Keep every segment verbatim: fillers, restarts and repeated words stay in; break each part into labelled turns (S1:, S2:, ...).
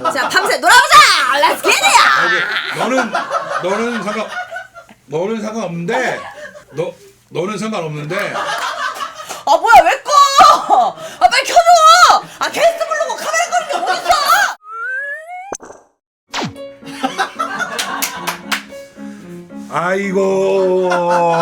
S1: 자 밤새 놀아보자. 렛츠 기릿이야.
S2: 너는 너는 상관 너는 상관없는데 너 너는 상관없는데.
S1: 아 뭐야 왜 꺼? 아 빨리 켜줘. 아 게스트 부르고 카메라 끄는 게 어딨어?
S2: 아이고.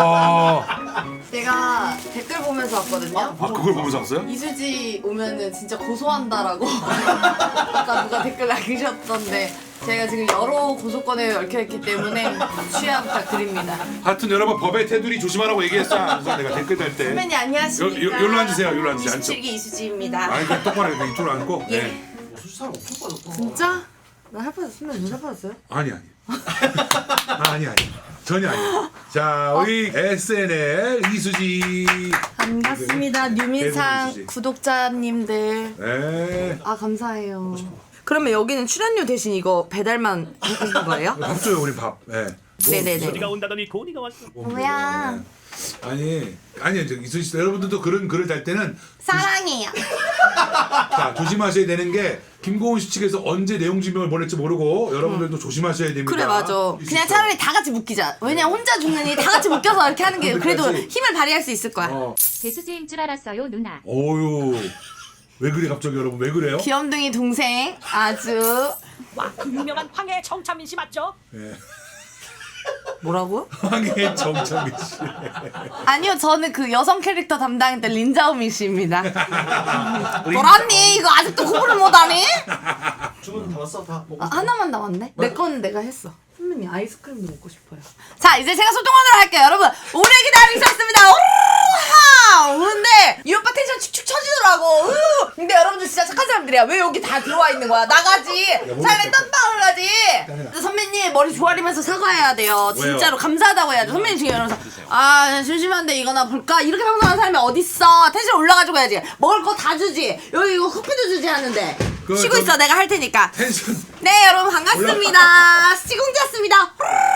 S1: 제가 댓글 보면서 왔거든요.
S2: 아 그걸 보면서 왔어요?
S1: 이수지 오면은 진짜 고소한다라고 아까 누가 댓글 남기셨던데 제가 지금 여러 고소권에 얽혀있기 때문에 취하 부탁드립니다.
S2: 하여튼 여러분 법의 테두리 조심하라고 얘기했어. 그래서 내가 댓글 달 때.
S1: 선배님 안녕하십니까.
S2: 요- 요- 요로 앉으세요. 요로 앉으세요.
S1: 이십칠 기 이수지입니다.
S2: 아니 그냥 똑바로 해. 이쪽으로 앉고.
S1: 예.
S2: 네.
S3: 수사가 엄청 빠졌다.
S1: 진짜? 나 할 뻔했어. 선배님 눈살 뻔했어요?
S2: 아니 아니. 아니 아니. 전혀 아니. 자 우리 에스엔엘 이수지.
S1: 반갑습니다. 뉴민상
S2: 이수지.
S1: 구독자님들.
S2: 네.
S1: 아 감사해요. 그러면 여기는 출연료 대신 이거 배달만 해주신 거예요?
S2: 밥 줘요 우리 밥. 네.
S1: 네네네.
S4: 소리가 온다더니 고니가 왔어.
S1: 뭐야?
S2: 아니 아니 저 이수지 씨 여러분들도 그런 글을 달 때는
S1: 사랑해요.
S2: 자 조심하셔야 되는 게 김고은 씨 측에서 언제 내용 증명을 보낼지 모르고 여러분들도 조심하셔야 됩니다.
S1: 그래 맞아. 그냥 차라리 다 같이 묶이자. 왜냐 혼자 죽느니 다 같이 묶여서 이렇게 하는 게 그래도
S2: 근데까지-
S1: 힘을 발휘할 수 있을 거야.
S2: 어.
S5: 배수지인 줄 알았어요, 누나.
S2: 어유. 왜 그래 갑자기 여러분 왜 그래요?
S1: 귀염둥이 동생 아주
S4: 와, 그 유명한 황해 정찬민 씨 맞죠?
S2: 예.
S1: 뭐라고요?
S2: 황해 정창민 씨.
S1: 아니요 저는 그 여성 캐릭터 담당했던 린자오밍 씨입니다. 노란니 이거 아직도 구분을 못하니?
S3: 주문 다 왔어 다 먹고.
S1: 아, 하나만 남았네? 내 거는 내가 했어. 선배님 아이스크림도 먹고 싶어요. 자 이제 제가 소통하도록 할게요. 여러분 오래 기다리셨습니다. 오르하! 오는데 이 오빠 텐션 축축 처지더라고. 으! 근데 여러분들 진짜 착한 사람들이야. 왜 여기 다 들어와 있는 거야? 나가지. 차라리 딴방을 가지. 근데 선배님 머리 조아리면서 사과해야 돼요. 진짜로 감사하다고 해야죠. 선배님 지금 이러면서 아 심심한데 이거나 볼까? 이렇게 방송하는 사람이 어딨어. 텐션 올라가지고 해야지. 먹을 거 다 주지. 여기 이거 커피도 주지 하는데.
S2: 그,
S1: 쉬고
S2: 좀-
S1: 있어 내가 할 테니까.
S2: 텐션.
S1: 네 여러분 반갑습니다. 시공자였습니다.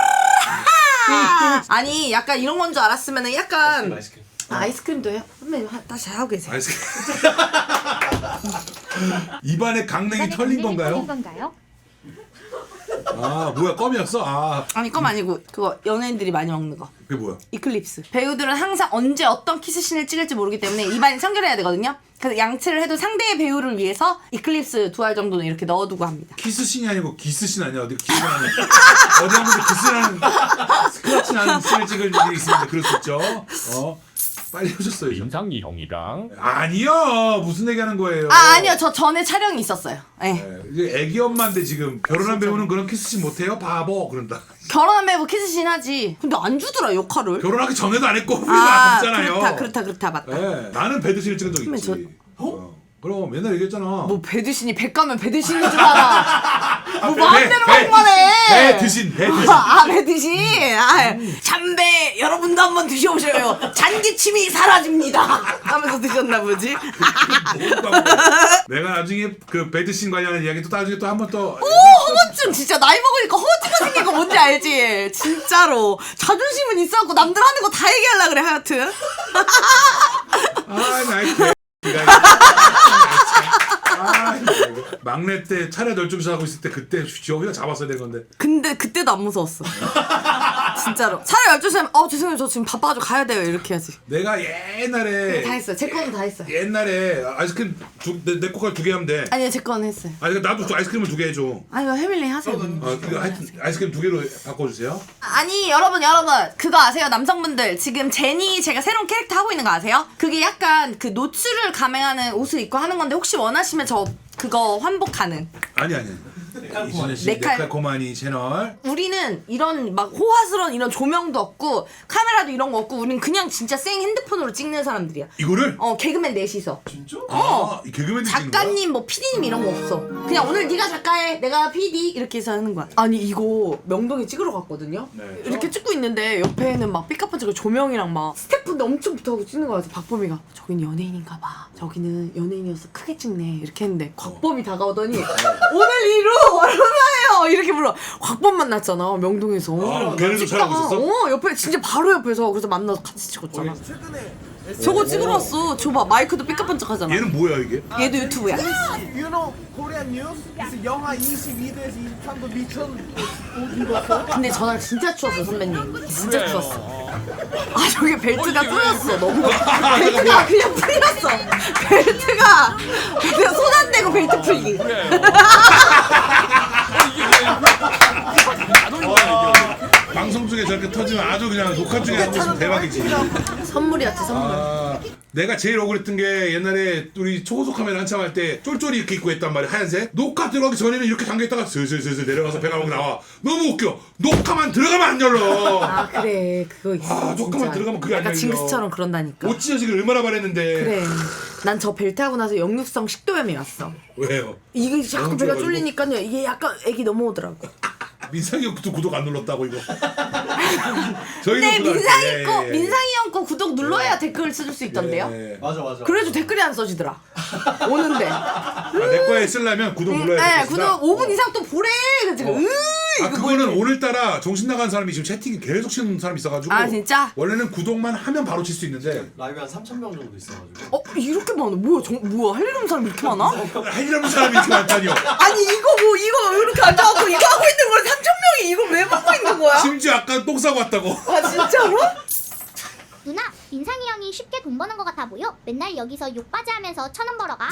S1: 아니 약간 이런 건 줄 알았으면은 약간
S3: 아이스크림.
S1: 아, 아이스크림도 해요? 선배님 하- 다시 하고 계세요.
S2: 아이스크림. 입안에 강냉이 털린
S5: 털린
S2: 건가요?
S5: 건가요?
S2: 아 뭐야 껌이었어? 아
S1: 아니 껌 아니고 그거 연예인들이 많이 먹는 거.
S2: 그게 뭐야?
S1: 이클립스. 배우들은 항상 언제 어떤 키스신을 찍을지 모르기 때문에 입안이 청결해야 되거든요. 그래서 양치를 해도 상대의 배우를 위해서 이클립스 두 알 정도는 이렇게 넣어두고 합니다.
S2: 키스신이 아니고 기스신 아니야? 어디 기스가 아니야? 어디 한 번도 기스라는 스크래치 나는 씬을 찍을 일이 있습니다. 그럴 수 있죠. 어 빨리 오셨어요. 좀.
S4: 임상이 형이랑
S2: 아니요 무슨 얘기하는 거예요?
S1: 아 아니요 저 전에 촬영이 있었어요. 네.
S2: 네, 이제 애기 엄마인데 지금 결혼한 배우는 그런 키스신 못해요? 바보 그런다.
S1: 결혼한 배우 키스신 하지. 근데 안 주더라 역할을.
S2: 결혼하기 전에도 안 했고 후에도
S1: 아
S2: 안 했잖아요.
S1: 그렇다 그렇다 그렇다 맞다.
S2: 네, 나는 배드신을 찍은 적 있지.
S1: 선배님,
S2: 어? 그럼 맨날 얘기했잖아.
S1: 뭐 배드신이 배 까면 배드신인 줄 알아. 뭐
S2: 배,
S1: 마음대로
S2: 배,
S1: 먹만 해.
S2: 배드신 배드신.
S1: 아 배드신. 아, 참배 여러분도 한번 드셔보셔요. 잔기침이 사라집니다. 하면서 드셨나 보지.
S2: 내가 나중에 그 배드신 관련한 이야기 또 나중에 또 한 번 또.
S1: 오 허거증 진짜 나이 먹으니까 허거증가 생긴 거 뭔지 알지? 진짜로 자존심은 있어갖고 남들 하는 거 다 얘기하려 그래 하여튼.
S2: 아, 나이 개. 아, 막내 때 차례 널좀서 하고 있을 때 그때 저기가 잡았어야 될 건데.
S1: 근데 그때도 안 무서웠어. 진짜로. 차라리 열두 시면 어 죄송해요 저 지금 바빠가지고 가야 돼요 이렇게 해야지.
S2: 내가 옛날에
S1: 다 했어요. 제 거는 다 했어요.
S2: 옛날에 아이스크림 두, 내, 내 거까지 두 개 하면 돼.
S1: 아니요 제 거는 했어요.
S2: 아니 나도 저 아이스크림을 두 개 해줘.
S1: 아니요 해밀리 하세요.
S2: 어, 그 하여튼 아이스크림 두 개로 바꿔주세요.
S1: 아니 여러분 여러분 그거 아세요 남성분들 지금 제니 제가 새로운 캐릭터 하고 있는 거 아세요? 그게 약간 그 노출을 감행하는 옷을 입고 하는 건데 혹시 원하시면 저 그거 환복 가능.
S2: 아니 아니. 이순애 씨
S1: 네칼.
S2: 네칼코마니 채널.
S1: 우리는 이런 막 호화스러운 이런 조명도 없고 카메라도 이런 거 없고 우리는 그냥 진짜 생 핸드폰으로 찍는 사람들이야.
S2: 이거를?
S1: 어 개그맨 넷이서.
S3: 진짜?
S2: 아, 이 개그맨들 찍는 거야?
S1: 작가님 뭐 피디님 이런 거 없어. 그냥 오늘 네가 작가해 내가 피디 이렇게 해서 하는 거야. 아니 이거 명동에 찍으러 갔거든요.
S2: 네.
S1: 이렇게 찍고 있는데 옆에는 막 삐까뻔쩍한 조명이랑 막 스태프인데 엄청 붙어가지고 찍는 거야. 그래서 박범이가 저기는 연예인인가 봐. 저기는 연예인이어서 크게 찍네 이렇게 했는데 곽범이 다가오더니 오늘 이루 얼마예요 이렇게 불러. 곽범 만났잖아 명동에서.
S2: 아, 걔네도
S1: 찍다가,
S2: 촬영하고 있었어?
S1: 어 옆에 진짜 바로 옆에서 그래서 만나서 같이 찍었잖아.
S3: 최근에
S1: 저거 찍으러 왔어. 줘봐 마이크도 삐까번쩍하잖아.
S2: 얘는 뭐야 이게?
S1: 얘도 유튜브야.
S3: You know Korean news? 그래서 영하 이십이 도에서 이십삼 도 미천 온도.
S1: 근데 전날 진짜 추웠어 선배님. 진짜 추웠어. 아 저게 벨트가 풀렸어 너무. 벨트가 그냥 풀렸어. 벨트가 그냥 손 안 대고 벨트 풀기.
S2: 방송 중에 저렇게 터지면 아주 그냥 녹화 중에 하고 있으면 대박이지.
S1: 선물이었지 선물.
S2: 아, 내가 제일 억울했던 게 옛날에 우리 초고속 카메라 한참 할 때 쫄쫄이 이렇게 입고 했단 말이야 하얀색. 녹화 들어가기 전에는 이렇게 잠겨있다가 슬슬슬슬 내려가서 배가 막 나와. 너무 웃겨. 녹화만 들어가면 안 열려.
S1: 아 그래 그거 있어.
S2: 아, 녹화만 들어가면 그게 안
S1: 약간
S2: 열려.
S1: 징크스처럼 그런다니까.
S2: 못 찢어지길 얼마나 바랬는데.
S1: 그래. 난 저 벨트 하고 나서 역류성 식도염이 왔어.
S2: 왜요?
S1: 이게 자꾸
S2: 너무
S1: 배가
S2: 좋아가지고.
S1: 쫄리니까요. 이게 약간 애기 넘어오더라고.
S2: 민상이 형도 구독 안 눌렀다고 이거. 저희도
S1: 근데
S2: 구독 안
S1: 민상이
S2: 했-
S1: 거
S2: 예, 예.
S1: 민상이 형 거 구독 눌러야 댓글 써줄 수 있던데요.
S2: 예.
S3: 맞아 맞아.
S1: 그래도 댓글이 안 써지더라. 오는데.
S2: 아, 내 거에 쓰려면 구독 눌러야
S1: 네,
S2: 돼.
S1: 구독 오 분 이상 또 보래. 그래서
S2: 어.
S1: 으
S2: 아
S1: 이거
S2: 그거는
S1: 뭐지?
S2: 오늘따라 정신 나간 사람이 지금 채팅이 계속 치는 사람이 있어가지고.
S1: 아, 진짜?
S2: 원래는 구독만 하면 바로 칠 수 있는데.
S3: 라이브 한 삼천 명 정도 있어가지고.
S1: 어 이렇게 많아. 뭐야 정, 뭐야 할 일 없는 사람 이렇게 많아?
S2: 할 일 없는 사람이 이렇게 많다니요.
S1: 아니 이거 뭐 이거 이렇게 앉아갖고 이거 하고 있는 거야. 삼천 명이 이거 왜 먹고 있는 거야?
S2: 심지어 아까 똥 싸고 왔다고.
S1: 아 진짜로?
S6: 누나, 민상이 형이 쉽게 돈 버는 것 같아 보여? 맨날 여기서 욕바지 하면서 천 원 벌어가.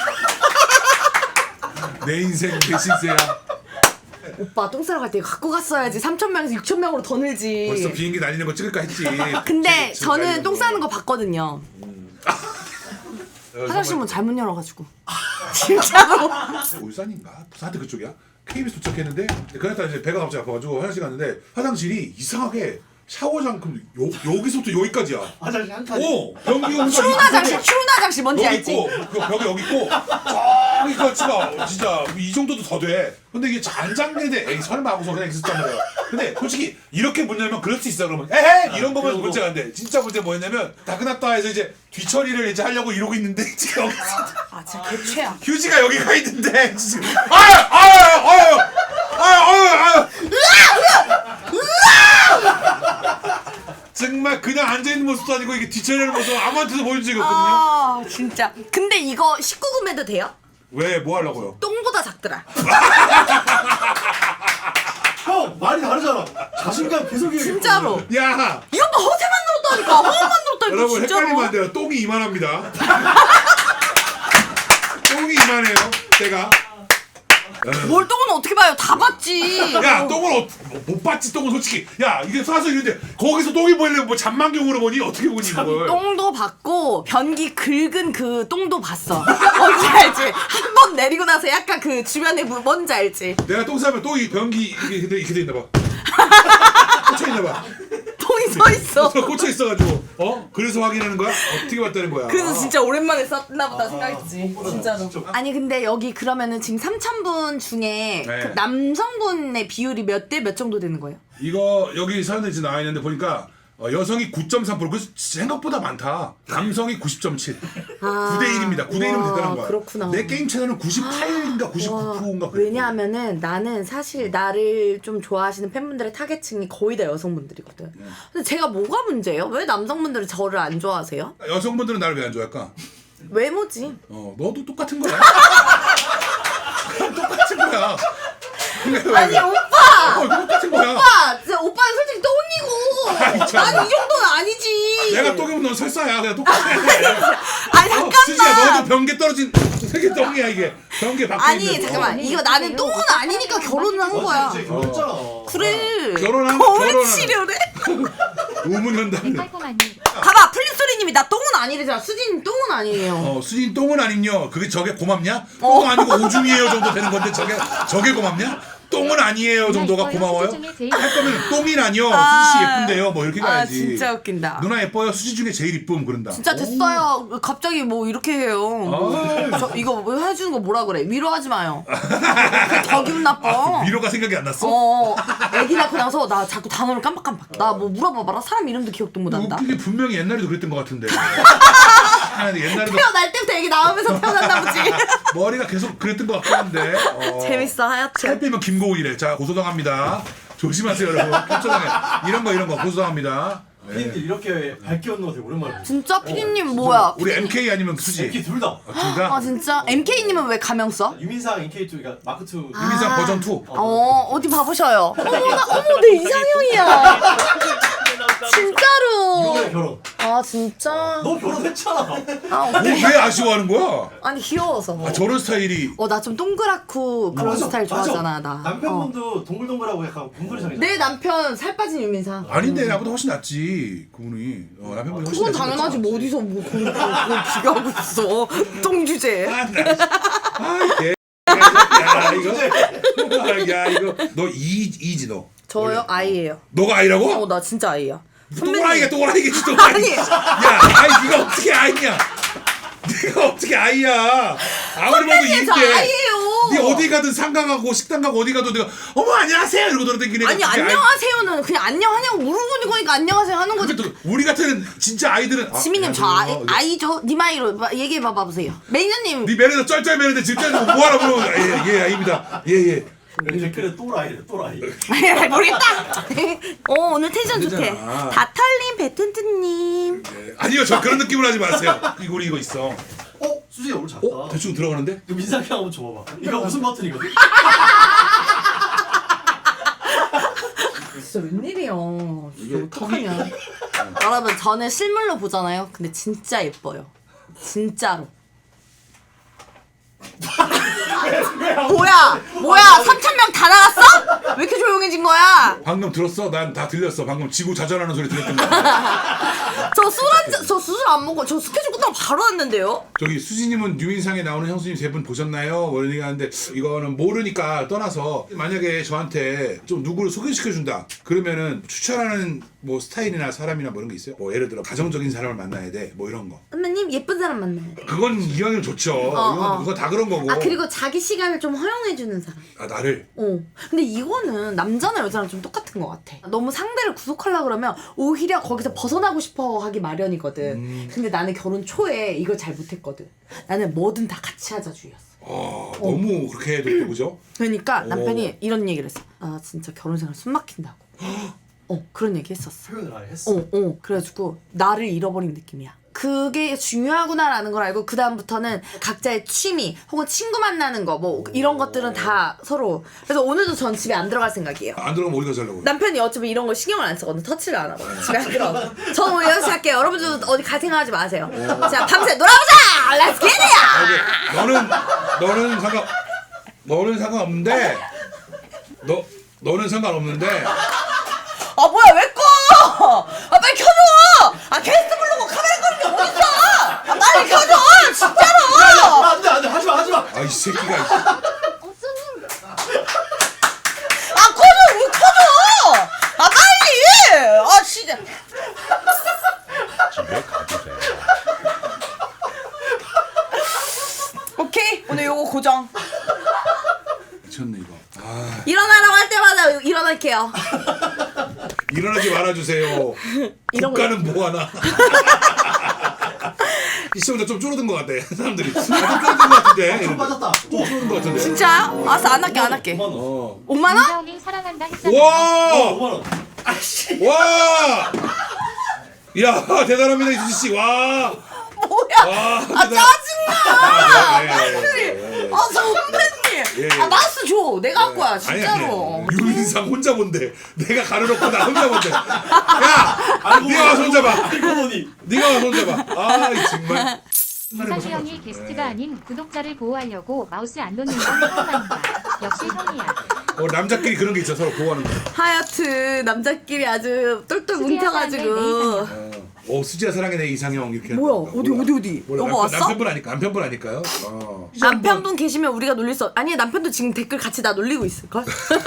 S2: 내 인생 내 신세야.
S1: 오빠 똥 싸러 갈 때 이거 갖고 갔어야지. 삼천 명에서 육천 명으로 더 늘지.
S2: 벌써 비행기 날리는 거 찍을까 했지.
S1: 근데
S2: 지금
S1: 저는
S2: 날리는
S1: 똥 싸는 거 봤거든요.
S2: 어,
S1: 화장실 문 잘못 열어가지고. 진짜로.
S2: 울산인가? 부산한테 그쪽이야? 케이비에스 도착했는데 그날따라 이제 배가 갑자기 아파가지고 화장실 갔는데 화장실이 이상하게 샤워장 그 요, 여기서부터 여기까지야.
S3: 화장실 한 칸.
S2: 오! 변기가
S1: 추운 화장실, 추운 화장실 뭔지
S2: 여기
S1: 알지?
S2: 있고 그 벽이 여기 있고 저기까지가 진짜 이 정도도 더 돼. 근데 이게 잘 잠그는데 에이 설마 하고서 그냥 있었단 말이야. 근데 솔직히 이렇게 문 열면 그럴 수 있어. 그러면 에헤 이런 거면
S3: 그러고.
S2: 문제가 안 돼. 진짜 문제 뭐였냐면 다 끝났다 해서 이제 뒤처리를 이제 하려고 이러고 있는데 지금 여기
S1: 아 진짜 개최야.
S2: 휴지가 여기 가 있는데 지금 아유 아유 아유 아유 아유 정말 그냥 앉아있는 모습도 아니고 이게 뒤처리하는 모습 아무한테도 보여준 적이 없거든요.
S1: 아 진짜. 근데 이거 십구 금에도 돼요?
S2: 왜 뭐 하려고요?
S1: 똥보다 작더라.
S3: 형 말이 다르잖아. 자신감 계속 얘기해.
S1: 진짜로.
S2: 야
S1: 이 오빠 허세 만들었다니까. 허세 만들었다니까.
S2: 여러분
S1: 진짜로.
S2: 헷갈리면 안 돼요. 똥이 이만합니다. 똥이 이만해요. 제가
S1: 뭘 똥은 어떻게 봐요? 다 봤지.
S2: 야 똥을 어, 못 봤지 똥은 솔직히 야 이게 사서 이런데 거기서 똥이 보이려면 뭐 잔망경으로 보니 어떻게 보니 이걸
S1: 똥도 봤고 변기 긁은 그 똥도 봤어. 뭔지 알지? 한 번 내리고 나서 약간 그 주변에 뭐- 뭔지 알지?
S2: 내가 똥 싸면 똥이 변기 이게 돼- 이렇게 돼 있나 봐. 꽂혀 있나 봐.
S1: 똥이 서 있어.
S2: 꽂혀 있어가지고 어 그래서 확인하는 거야? 어떻게 봤다는 거야?
S1: 그래서 진짜 오랜만에 썼나 보다 생각했지. 진짜로. 아니 근데 여기 그러면은 지금 삼천 분 중에
S2: 네.
S1: 그 남성분의 비율이 몇 대 몇 정도 되는 거예요?
S2: 이거 여기 사연에 지금 나와 있는데 보니까 어, 여성이 구 점 삼 퍼센트 그 생각보다 많다. 남성이 구십 점 칠.
S1: 아,
S2: 구 대 일입니다. 구 대 일이면
S1: 와,
S2: 대단한 거야.
S1: 그렇구나.
S2: 내 게임 채널은 구십팔인가 구십구 퍼센트인가 그래.
S1: 왜냐하면은 나는 사실 나를 좀 좋아하시는 팬분들의 타겟층이 거의 다 여성분들이거든. 근데 제가 뭐가 문제예요? 왜 남성분들은 저를 안 좋아하세요?
S2: 여성분들은 나를 왜 안 좋아할까?
S1: 외모지.
S2: 어, 너도 똑같은 거야. 똑같은 거야. 근데 왜
S1: 아니
S2: 그래?
S1: 오빠!
S2: 어, 똑같은 거야.
S1: 오빠! 진짜 오빠는 솔직히 똥이고
S2: 아이, 참.
S1: 난 이 정도는 아니지.
S2: 내가 똥이면 넌 설사야. 그냥 똑같아.
S1: 아니
S2: 어, 수지야
S1: 잠깐만.
S2: 너도 변기 떨어진 되게 똥이야 이게. 변기 밖에
S1: 아니
S2: 있는
S1: 잠깐만
S2: 거.
S1: 이거 나는 똥은 아니니까 결혼을 한 거야.
S3: 진짜 결혼했잖아.
S1: 그래.
S2: 결혼한-
S1: 거울
S2: 결혼한-
S1: 치료래?
S2: 우문현답.
S5: 깔끔하니
S1: 봐봐 플립소리님이 나 똥은 아니래잖아. 수진 똥은 아니에요.
S2: 어, 수진 똥은 아님요. 그게 저게 고맙냐?
S1: 어.
S2: 똥 아니고 오줌이에요 정도 되는 건데 저게 저게 고맙냐? 똥은 아니에요 정도가 고마워요?
S5: 수지 중에 제일
S2: 할 거면 똥이라뇨.
S1: 아.
S2: 수지 씨 예쁜데요. 뭐 이렇게
S1: 아
S2: 가야지.
S1: 진짜 웃긴다.
S2: 누나 예뻐요. 수지 중에 제일 이쁨 그런다.
S1: 진짜 됐어요. 갑자기 뭐 이렇게 해요.
S2: 아.
S1: 저 이거 뭐 해주는 거 뭐라 그래? 위로하지 마요. 그게 더 기분 나빠.
S2: 위로가 생각이 안 났어?
S1: 어, 애기 낳고 나서 나 자꾸 단어를 깜빡깜빡. 나 뭐 물어봐봐라. 사람 이름도 기억도 못한다.
S2: 웃기게 분명히 옛날에도 그랬던 것 같은데. 아니, 옛날에도
S1: 태어날 때부터 애기 나오면서 태어났나 보지.
S2: 머리가 계속 그랬던 것 같긴 한데. 어.
S1: 재밌어
S2: 살
S1: 하여튼.
S2: 빼면 김고은이래. 자 고소당합니다. 조심하세요 여러분. 캡처당해. 이런 거 이런 거 고소당합니다.
S7: 피디님들 이렇게 밝게 웃는 거 되게 오랜만에 봤어요.
S1: 진짜 피디님 뭐야?
S2: 우리 엠케이 아니면 수지.
S7: 이렇게 둘 다.
S2: 둘 다?
S1: 아 진짜? 엠케이님은 왜 가명 써?
S7: 유민상 엔케이투 그러니까 마크 투.
S2: 유민상 버전 투.
S1: 어 어디 봐보셔요. 어머나 어머 내 이상형이야. 진짜로.
S7: 이번에 결혼.
S1: 아 진짜.
S7: 너 결혼했잖아.
S1: 아
S2: 뭐, 왜 아쉬워하는 거야?
S1: 아니 귀여워서.
S2: 아 저런 스타일이.
S1: 어 나 좀 동그랗고 그런
S7: 맞아,
S1: 스타일
S7: 맞아.
S1: 좋아하잖아 나.
S7: 남편분도 동글동글하고 약간 곰돌이상이잖아.
S1: 내 남편 살 빠진 유민상.
S2: 아닌데 나보다 훨씬 낫지 그분이. 어, 남편분이 훨씬
S1: 그건
S2: 낫지.
S1: 당연하지 뭐 어디서 뭐 그걸 그걸 비교하고 있어. 똥 주제.
S2: 아, 나, 아, 개. 야 이거. 야 이거. 너 이 이지 너.
S1: 저요 아이예요.
S2: 너가 아이라고?
S1: 어 나 진짜 아이야.
S2: 또라이가 또라이겠지 또라이.
S1: 아니.
S2: 야 아이 네가 어떻게 아이냐? 네가 어떻게 아이야? 아무리 봐도
S1: 선배님 저
S2: 이게.
S1: 아이예요.
S2: 네 어디 가든 상가 가고 식당 가고 어디 가도 내가 어머 안녕하세요 이러고 돌아다니는 애가
S1: 아니
S2: 어떻게 아이-
S1: 안녕하세요는 그냥 안녕하냐고 물어보는 거니까 안녕하세요 하는 거지.
S2: 근데 또 우리 같은 진짜 아이들은. 아,
S1: 지민님 저 아이,
S2: 안녕하세요.
S1: 아이죠? 님 아이로 마- 얘기해 봐봐 보세요. 매니저님.
S2: 네 매니저 쩔쩔 매니저 진짜 뭐하라 물어보면 예예 아입니다 예예.
S7: 댓글에 또라이래 또라이.
S1: 모르겠다. 어 오늘 텐션 좋대.
S2: 그러잖아.
S1: 다털님 베텐트님.
S2: 아니요 저 그런 느낌으로 하지 마세요. 이거 우리 이거 있어.
S7: 어? 수진이 오늘 작다.
S2: 어 대충 들어가는데?
S7: 그 민상이 한번 줘봐봐. 이거 무슨 버튼이거든?
S1: 진짜 웬일이야.
S2: 이게
S1: 진짜 어떡하냐. 여러분 저는 실물로 보잖아요. 근데 진짜 예뻐요. 진짜로. 뭐야? 뭐야? 삼천 명 다 나갔어? 왜 이렇게 조용해진 거야?
S2: 방금 들었어? 난 다 들렸어. 방금 지구 자전하는 소리 들렸던 거야.
S1: 저 술 한 잔, 저 수술 안 먹고 저 스케줄 끝나고 바로 왔는데요?
S2: 저기 수지님은 유민상에 나오는 형수님 세 분 보셨나요? 뭐 이런 얘기 하는데 이거는 모르니까 떠나서 만약에 저한테 좀 누구를 소개시켜준다 그러면은 추천하는 뭐 스타일이나 사람이나 뭐 이런 게 있어요? 뭐 예를 들어 가정적인 사람을 만나야 돼 뭐 이런 거.
S1: 선배님 예쁜 사람 만나야 돼.
S2: 그건 이왕이면 좋죠. 이건,
S1: 어.
S2: 이거 다 그런 거고.
S1: 아 그리고 자기 시간을 좀 허용해주는 사람.
S2: 아, 나를.
S1: 어. 근데 이거는 남자나 여자랑 좀 똑같은 것 같아. 너무 상대를 구속하려 그러면 오히려 거기서 벗어나고 싶어 하기 마련이거든.
S2: 음.
S1: 근데 나는 결혼 초에 이걸 잘 못했거든. 나는 뭐든 다 같이 하자 주의였어.
S2: 아 너무 그렇게 해도 또 그죠?
S1: 그러니까
S2: 오.
S1: 남편이 이런 얘기를 했어. 아 진짜 결혼 생활 숨 막힌다고. 어 그런 얘기 했었어.
S7: 표현을 아예 했어.
S1: 어, 어. 그래가지고 나를 잃어버린 느낌이야. 그게 중요하구나라는 걸 알고 그 다음부터는 각자의 취미 혹은 친구 만나는 거 뭐 이런 것들은 다 서로. 그래서 오늘도 전 집에 안 들어갈 생각이에요.
S2: 안 들어가면 어디 가서 하려고?
S1: 남편이 어차피 이런 걸 신경을 안 쓰거든. 터치를 안 하거든. 집에 안 들어가. 저는 오늘 여기서 할게요. 여러분들도 어디 갈 생각하지 마세요. 자 밤새 놀아보자. Let's get it.
S2: 너는 너는 상관 너는 상관없는데 너 너는 상관없는데
S1: 아 뭐야 왜 꺼? 아 빨리 켜줘. 아 게스트 부르고 카메라 끄는 게 어딨어? 아 빨리 켜줘. 진짜로.
S7: 안돼 안돼 하지마 하지마.
S2: 아 이 새끼가
S1: 아 꺼줘 왜 켜줘? 아 빨리. 아 진짜.
S4: 집에 가도 돼.
S1: 오케이 오늘 요거 고정.
S2: 미쳤네 이거. 아
S1: 일어나라고 할 때마다 일어날게요.
S2: 일어나지 말아주세요.
S1: 이런
S2: 국가는 뭐 하나. 이 시험자 좀 줄어든 것 같아 사람들이. 아, 좀 줄어든 것 같은데.
S7: 좀 빠졌다.
S2: 좀 줄어든 것 같은데.
S1: 진짜요? 알았어 안 할게 안 할게.
S7: 오만 원.
S2: 어.
S1: 오만 원?
S5: 민서님 사랑한다 했잖아.
S2: 와.
S7: 어, 오만 원.
S2: 와. 야 대단합니다 이수지 씨. 와.
S1: 뭐야?
S2: 와,
S1: 아
S2: 대단-
S1: 짜증나.
S2: 아, 네, 네,
S1: 아니,
S2: 네, 네.
S1: 아 선배님.
S2: 예, 예.
S1: 아 마우스 줘. 내가 할 거야
S2: 아니,
S1: 진짜로.
S2: 아니, 유민상 혼자 본대. 내가 가려놓고 나 혼자 본대. 야, 네가 와서 혼자 봐.
S7: 알고 보니.
S2: 네가 와서 혼자 봐. 아, 이 정말.
S5: 민상이 형이 게스트가 아닌 구독자를 보호하려고 마우스 안 놓는 건 처음이다. 역시 형이야.
S2: 어, 남자끼리 그런 게 있죠. 서로 보호하는 거.
S1: 하여튼 남자끼리 아주 똘똘 뭉쳐가지고.
S2: 어, 어 수지야 사랑해 내 이상형 이렇게.
S1: 뭐야
S2: 하는 거.
S1: 어디 어디 어디?
S2: 몰라,
S1: 여보
S2: 남편,
S1: 왔어?
S2: 남편분 아니까 남편분 아니까요. 어.
S1: 남편분 계시면 우리가 놀릴 수 없... 아니 남편도 지금 댓글 같이 나 놀리고 있을걸?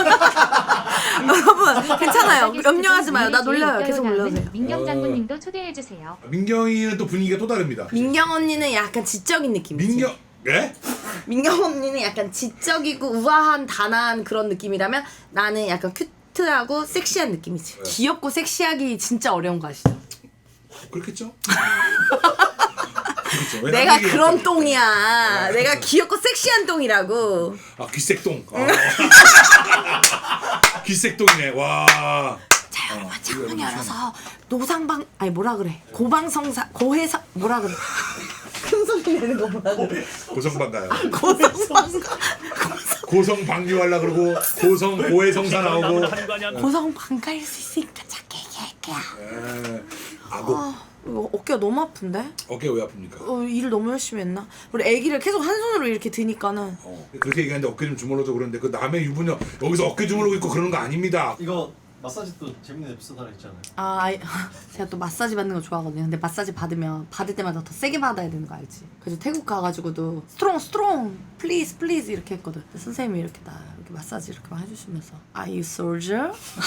S1: 여러분 괜찮아요. 염려하지 마요. 나 놀려요. 계속 놀려주세요.
S5: 민경 장군님도 초대해주세요.
S2: 민경이는 또 분위기가 또 다릅니다.
S1: 민경 언니는 약간 지적인 느낌이지.
S2: 민경 예?
S1: 민경 언니는 약간 지적이고 우아한 단아한 그런 느낌이라면 나는 약간 큐트하고 섹시한 느낌이지.
S2: 네.
S1: 귀엽고 섹시하기 진짜 어려운 거 아시죠?
S2: 그렇겠죠? 그렇죠. 왜
S1: 내가
S2: 남자끼리
S1: 그런
S2: 그렇죠?
S1: 똥이야.
S2: 네.
S1: 내가 귀엽고 섹시한 똥이라고.
S2: 아 귀색똥. 아. 귀색똥이네. 와.
S1: 잘 여러분 창문 열어서 노상방 아니 뭐라 그래 고방성사 고해사 뭐라 그래 큰 소리 내는 거 뭐라 그래
S2: 고성방가요.
S1: 고성방가
S2: 고성 방류하려 그러고 고성 고해성사 나오고.
S4: 한관현
S1: 고성방가일 수 있으니까 작게 얘기할게요.
S2: 에, 아고.
S1: 아 이거 어깨가 너무 아픈데?
S2: 어깨 왜 아픕니까?
S1: 어, 일을 너무 열심히 했나? 우리 애기를 계속 한 손으로 이렇게 드니까는
S2: 어, 그렇게 얘기하는데 어깨 좀 주물러줘 그러는데 그 남의 유부녀 여기서 어깨 주물르고 있고 그러는 거 아닙니다.
S7: 이거 마사지 또 재밌는 에피소드 하나 있잖아요.
S1: 아 아이, 제가 또 마사지 받는 거 좋아하거든요. 근데 마사지 받으면 받을 때마다 더 세게 받아야 되는 거 알지? 그래서 태국 가가지고도 스트롱 스트롱 플리즈 플리즈 이렇게 했거든. 근데 선생님이 이렇게 나 이렇게 마사지 이렇게 막 해주시면서 Are you soldier?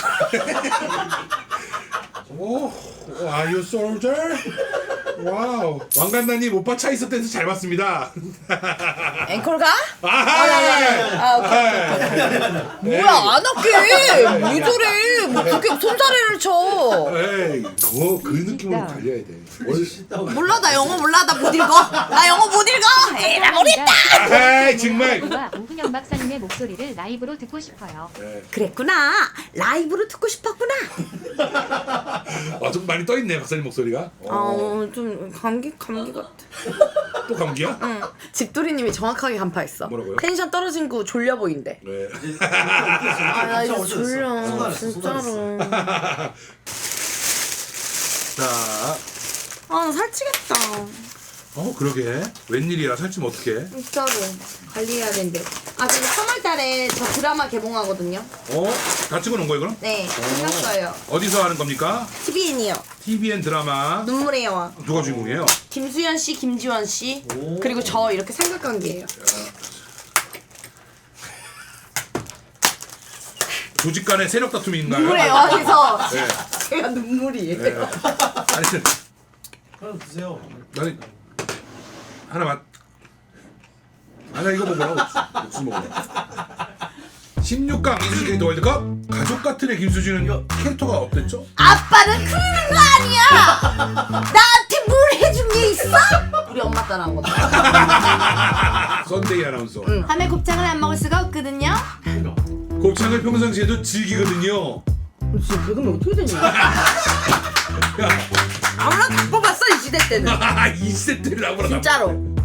S2: 오, are you soldier? 와우. 왕간나님 오빠 차 있을 때도 잘 봤습니다.
S1: 앵콜가?
S2: 아,
S1: 아 오케이. 뭐야 안 할게. 왜 저래? 뭐 그게 손사래를 쳐.
S2: 에이, 그, 그 느낌으로 달려야 돼. 뭘-
S1: 몰라 나 영어 몰라 나 못 읽어. 나 영어 못 읽어. 에라 모르겠다.
S2: 에이, 정말.
S5: 와 오훈영 박사님의 목소리를 라이브로 듣고 싶어요.
S1: 그랬구나. 라이브로 듣고 싶었구나.
S2: 아, 좀 많이 떠있네 박사님 목소리가. 어,
S1: 아좀 감기 감기 같아.
S2: 또 감기야?
S1: 응. 집돌이님이 정확하게 간파했어.
S2: 뭐라고요?
S1: 텐션 떨어진 거 졸려 보인대.
S2: 네.
S1: 아 나 이제 졸려
S7: 쏟아냈어,
S1: 진짜로.
S2: 자,
S1: 아 나 살찌겠다.
S2: 어 그러게. 웬일이야 살찌면 어떡해?
S1: 진짜로 관리해야 되는데. 아 지금 삼월달에 저 드라마 개봉하거든요.
S2: 어? 다 찍어놓은 거예요 그럼?
S1: 네 끝났어요.
S2: 어디서 하는 겁니까?
S1: 티비엔이요.
S2: 티비엔 드라마.
S1: 눈물의 여왕.
S2: 누가 주인공이에요?
S1: 김수현 씨, 김지원 씨,
S7: 오.
S1: 그리고 저 이렇게 삼각관계예요.
S2: 조직 간의 세력 다툼인가요?
S1: 눈물의 여왕에서
S2: 네.
S1: 제가 눈물이에요.
S2: 네. 아니,
S7: 하나 드세요.
S2: 아니 하나 맛. 아나 이거 먹으라고 옥수수 먹으라. 십육 강 이수진 캐릭터 월드컵 가족 같은 애 김수진은 캐릭터가 어땠죠?
S1: 아빠는 그러는 거 아니야. 나한테 뭘 해준 게 있어? 우리 엄마 따라한 거다.
S2: 썬데이 아나운서.
S1: 응. 밤에 곱창을 안 먹을 수가 없거든요.
S2: 곱창을 평상시에도 즐기거든요.
S1: 진짜 배금이 어떻게 되냐?
S2: 야,
S1: 아무나 다 뽑았어 이 시대 때는.
S2: 이 세트를 아무나
S1: 진짜로.